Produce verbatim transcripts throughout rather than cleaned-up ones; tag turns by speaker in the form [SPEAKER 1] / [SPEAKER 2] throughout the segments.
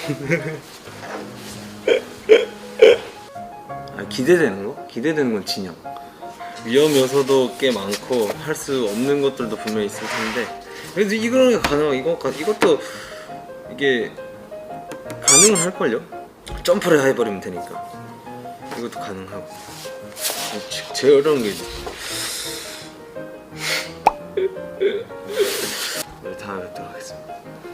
[SPEAKER 1] 아, 기대되는 거? 기대되는 건 진영. 위험 요소도 꽤 많고 할 수 없는 것들도 분명히 있을 텐데 그래도 이거는 게 가능하고 이거, 이것도 이게 가능은 할걸요? 점프를 해버리면 되니까 이것도 가능하고 제일 어려운 게 네, 다음에 뵙도록 하겠습니다.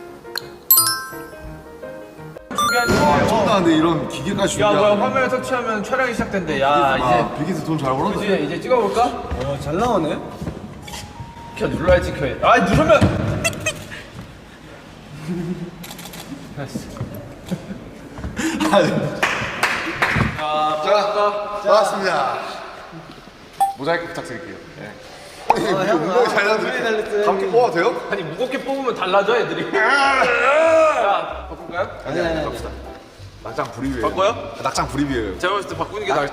[SPEAKER 2] 나 근데 이런 기계까지
[SPEAKER 3] 야
[SPEAKER 2] 준비하는
[SPEAKER 3] 뭐야 화면을 터치하면 촬영이 시작된대. 야 이제
[SPEAKER 2] 비기즈 돈 잘 벌었네.
[SPEAKER 3] 이제 이제 찍어볼까?
[SPEAKER 4] 어, 잘 나오네.
[SPEAKER 3] 켜 눌러야지 켜야. 아 누르면.
[SPEAKER 2] 자, 나왔습니다. 모자이크 부탁드릴게요. 네. 형, 무거워 잘 나왔는데 감기 뽑아도 돼요?
[SPEAKER 3] 아니 무겁게 뽑으면 달라져 애들이. 자 바꿀까요?
[SPEAKER 2] 아니 아니 갑시다. 낙장 불입이에요.
[SPEAKER 3] 바꿔요?
[SPEAKER 2] 낙장 불입이에요.
[SPEAKER 3] 제가 봤을 때 바꾸는 게 나을.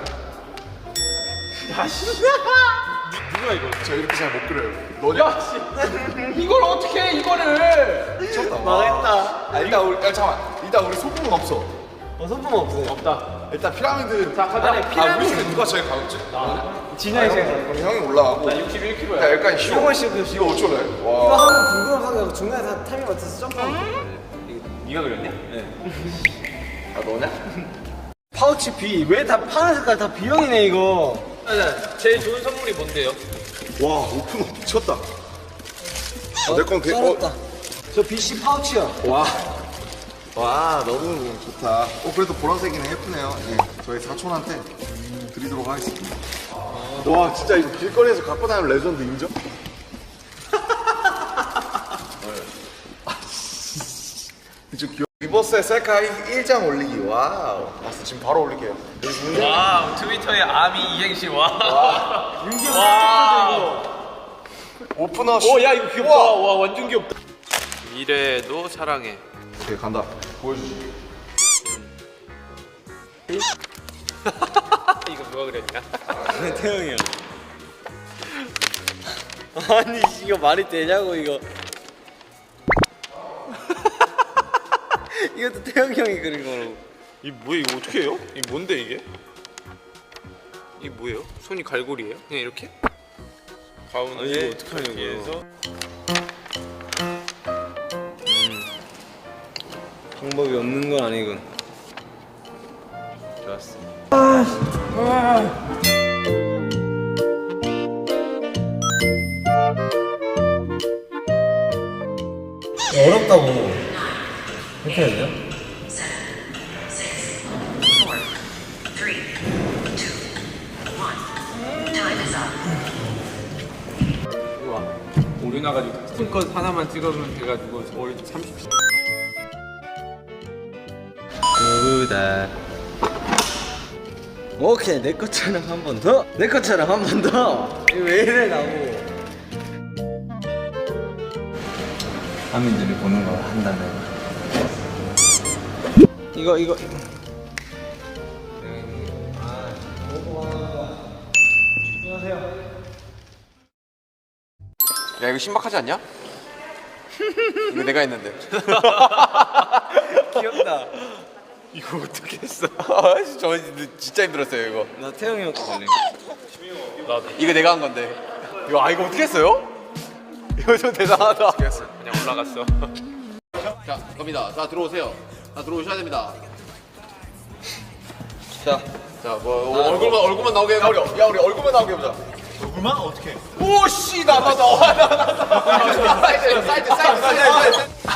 [SPEAKER 3] 야씨. 누구야 이거?
[SPEAKER 2] 저 이렇게 잘 못 그려요. 너냐?
[SPEAKER 3] 야 씨. 이걸 어떻게 해 이거를?
[SPEAKER 2] 미쳤다.
[SPEAKER 4] 망했다.
[SPEAKER 2] 아, 일단 우리 야, 잠깐만. 일단 우리 소품은 없어.
[SPEAKER 4] 어, 손품 없어요.
[SPEAKER 3] 없다.
[SPEAKER 2] 일단 피라미드.
[SPEAKER 3] 자 가자.
[SPEAKER 2] 아, 우리 중에 누가 제일 가볍지?
[SPEAKER 4] 진영이 제가
[SPEAKER 2] 그럼 형이 올라가고.
[SPEAKER 3] 나 육십일 킬로그램야.
[SPEAKER 2] 야, 약간 쉬워.
[SPEAKER 4] 이거 씹고
[SPEAKER 2] 이거 어쩌래?
[SPEAKER 4] 이거
[SPEAKER 2] 와.
[SPEAKER 4] 하면 궁금하게 중간에서 타이밍 맞춰서 점프하면 돼.
[SPEAKER 3] 네가 그렸냐?
[SPEAKER 2] 아, 너냐?
[SPEAKER 4] 파우치 B. 왜 다 파란 색깔 다 B형이네 이거.
[SPEAKER 3] 제일 좋은 선물이 뭔데요?
[SPEAKER 2] 와, 오픈업 미쳤다. 어, 내건 그,
[SPEAKER 4] 쩔었다.
[SPEAKER 2] 어,
[SPEAKER 4] 저 비씨 파우치야.
[SPEAKER 2] 와. 와, 너무 좋다. 어, 그래도 보라색이네. 예쁘네요. 네, 저희 사촌한테 드리도록 하겠습니다. 와, 진짜 이거 길거리에서 갖고 다니는 레전드 인정? 좀 귀여워. 리버스의 셀카 일 장 올리기. 와우. 봤어, 지금 바로 올릴게요.
[SPEAKER 3] 와 트위터에 아미 이행시 와. 와.
[SPEAKER 2] 오프너 씨.
[SPEAKER 3] 오야 이거 귀엽다. 와, 와 완전 귀엽다. 미래도 사랑해.
[SPEAKER 2] 오케이, 간다. 보여주지.
[SPEAKER 3] 이거 누가 그렸냐?
[SPEAKER 4] 태영이 형. 아니 이거 말이 되냐고 이거. 이것도 태영이 형이 그린 거라고.
[SPEAKER 3] 이 뭐야 이거 어떻게 해요? 이 뭔데 이게? 이게 뭐예요? 손이 갈고리예요? 그냥 이렇게? 가운데
[SPEAKER 4] 아니, 이거 어떡하냐고요.
[SPEAKER 3] 이렇게 해서
[SPEAKER 1] 방법이 없는 건 아니군.
[SPEAKER 3] 좋았어.
[SPEAKER 4] 어렵다고. 이렇게 해야 돼요?
[SPEAKER 3] 우와 오류 나가지고 스팀컷 하나만 찍으면 돼가지고 거의 삼십.
[SPEAKER 1] 구다.
[SPEAKER 4] 오케이 내 것처럼 한 번 더. 내 것처럼 한 번 더. 이거 왜 이래 나고.
[SPEAKER 1] 하민들이 보는 걸 한다면
[SPEAKER 4] 이거 이거.
[SPEAKER 3] 야 이거 신박하지 않냐? 이거 내가 했는데.
[SPEAKER 4] 귀엽다.
[SPEAKER 3] 이거 어떻게 했어? 아, 저 진짜 힘들었어요 이거.
[SPEAKER 4] 나 태영이 형 거 걸린
[SPEAKER 3] 나도. 이거 내가 한 건데. 이거 아 이거 어떻게 했어요? 이거 좀 대단하다. 어떻게 했어? 그냥 올라갔어.
[SPEAKER 5] 자, 갑니다. 자, 들어오세요. 자, 들어오셔야 됩니다.
[SPEAKER 4] 자.
[SPEAKER 5] 자, 뭐 어, 얼굴만 얼굴만 나오게 해봐. 야, 우리 얼굴만 나오게 해보자.
[SPEAKER 2] 얼굴만? 어떻게?
[SPEAKER 5] 오씨, 나 나 나. 사이드, 사이드, 사이드, 사이드.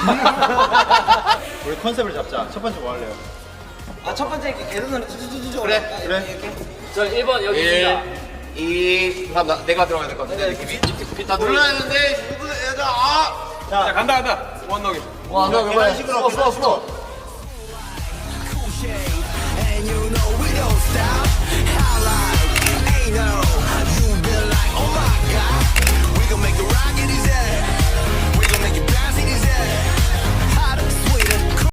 [SPEAKER 2] 우리 컨셉을 잡자. 첫 번째 뭐 할래요?
[SPEAKER 4] 아 첫 번째 이렇게 계단으로 쭈쭈쭈쭈.
[SPEAKER 5] 그래,
[SPEAKER 4] 그래.
[SPEAKER 3] 저 일 번 여기 있습니다.
[SPEAKER 5] 일, 이, 삼, 나, 내가 들어가야 될 것 같아. 느낌이? 다 눌러야 되는데, 누구, 얘들아, 아!
[SPEAKER 3] 자 간다 간다. 원 넣기.
[SPEAKER 5] 와, 너, 그만. 식으로, 써, 써.